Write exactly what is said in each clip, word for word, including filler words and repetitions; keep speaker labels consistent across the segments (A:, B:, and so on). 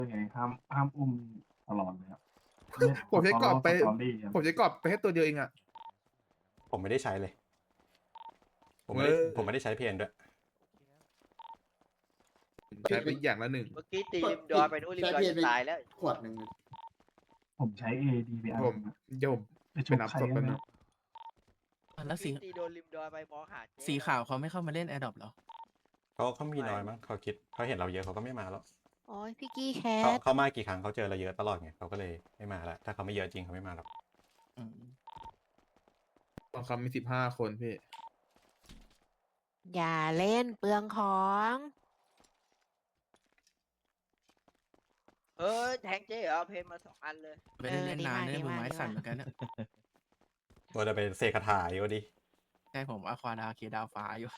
A: ไงห้ามห้ามอุ้มตลอดเลยครับเล่น
B: ผมใช้กรอบไป
A: สตอรี่ครับ
B: ผมใช้กรอบไปแค่ตัวเดียวเองอะ
C: ผมไม่ได้ใช้เลย ผมไม่
B: เอ
C: ได้
B: อ
C: ผมไม่ได้ใช้เพนด้วย
B: ใช้ไปอย่างละหนึ่ง
D: เมื่อกี้ตีริมดอยไปนู้นริมดอยจะตายแล้ว
E: ขวดหนึ่ง
A: ผมใช้เอดีไปอัน
B: ผม
A: นึงอะ
B: เดี๋ยวผม
A: ไป
B: ไป
A: ชุบ
B: นับ
A: ใคร
B: ศพ
A: กั
B: กัน น
A: นะ
B: นะ
F: แล้วสี
D: ตีโดนริมดอยไปมองหาเจ๊
F: สีขาวเขาไม่เข้ามาเล่นแอร์ดรอปหรอ
C: เขาเขามีน้อยมั้งเขาคิดเขาเห็นเราเยอะเขาก็ไม่มาแล้ว
G: โอ้ยพี่กี้แค
C: เขา
G: ท
C: เขามากี่ครั้งเขาเจอเราเยอะตลอดไงเขาก็เลยไม่มาละถ้าเขาไม่เยอะจริงเขาไม่มาหรอก
F: อืม
B: บางคำมีสิบห้าคนพี่
G: อย่าเล่นเปลืองของ
D: เออแทงเจ๊เหรอเพนมาสองอันเลย
F: ไม่ได้เล่นนานเนี่ยมือไม้สั่นเหมือนกันเนี่ย
C: ตัวจะเป็นเซคาถาอยู่ดิ
F: ใช่ผมอควาดาเคดาวฟ้าอยู่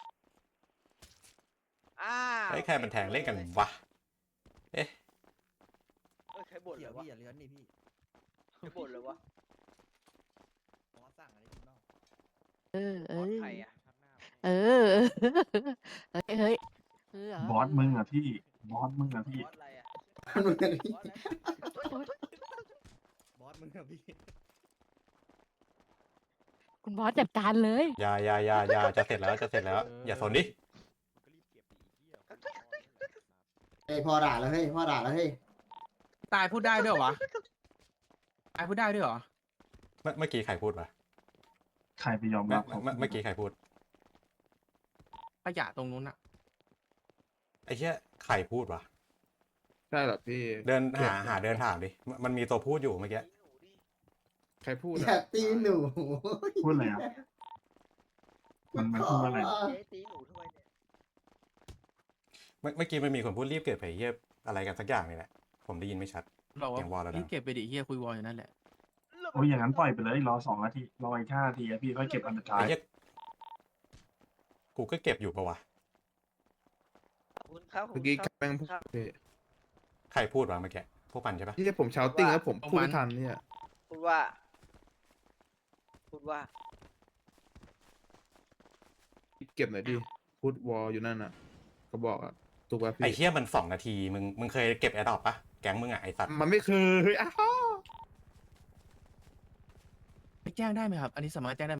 D: อ้าว
C: ไอ้ยใครมันแทงเล่นกันวะเอ๊ะ
D: เอ้ยใครบ่นเลยวะ
E: อย่าเลื้อนนี่พี่
D: ใครบ่นเลยวะ
E: ขอสั่งอะไรพี่บ้าง
G: เออเอ
D: บอส
G: อ
D: ใครอ่ะ
G: เออเฮ้ยเฮ้ยเออบ
A: อสมึงอะพี่บอสมึงอะพี่
D: บอสอะไรอ่ะ
E: มันเหมือนกันพี่
D: บอสอะไร
E: บอสมึงอะพี่
G: คุณบอสจัดการเลย
C: อยาอยาอยาอยาจะเสร็จแล้วจะเสร็จแล้ว อย่าสนดิ
E: เฮ้ยพ่อด่าแล้วเฮ้ยพ่อด่าแล้วเฮ้ย
F: ตายพูดได้ด้วยเหรอวะ ตายพูดได้ด้วยเหรอ
C: เมื่อเมื่อกี้ใครพูดวะ
A: ใครไปยอม
C: เมื่
A: รั
C: อบ
A: เขา
C: เมื่อเมื่อกี้ใครพูด
F: ขยะตรงนู้นอะ
C: ไอ้เชี่ยใครพูดวะ
B: ใช่เหรอพี่
C: เดินหาหาเดินถามดิมันมันมีตัวพูดอยู่เมื่อกี้
B: ใครพูด
E: อ
B: อะ
E: ย่าตีหนู
A: พูดอะไรอะมันมันพูดว่าอะไร
D: เจ๊ตีหนูทำไมเนี่ย
C: เมื่อเมื่อกี้มันมีคนพูดรีบเกิดไปเฮียอะไรกันสักอย่างนี่แหละผมได้ยินไม่ชัด
F: บอกว่า
C: อย่างวอลแล้วนะ
F: รีบเก็บไปดิเฮียคุยวอลอยู่นั่นแหละ
A: โอ้ยอย่างนั้นปล่อยไปเลยรอสองนาทีรออีกห้านาทีอะพี่ค่อยเก็บอันสุดท้าย
C: ไอ้เฮียกูก็เก็บอยู่ปะวะ
D: ขอบคุณครับขอบ
B: เมื่อ
D: คุ
B: กี้
D: ณครับ
B: แม่งพูดพี่
C: ใครพูดวะเมื่อกี้พวกมันใช่ปะ
B: ที่ผมเชาติ้งแล้วผมพูดไม่ทันเนี่ย
D: พูดว่า พูดว่า
B: เก็บหน่อยดิพูดวอลอยู่นั่นน่ะเขาบอกอะถูกป่ะ
C: ไอ้
B: พี่
C: เฮียมันสองนาทีมึงมึงเคยเก็บแอร์ดรอปปะแก๊งมึงอะไอ้สัตว์
B: มันไม่เคยอ้าว
F: ไปแจ้งได้ไหมครับ อันนี้สามารถแจ้งได้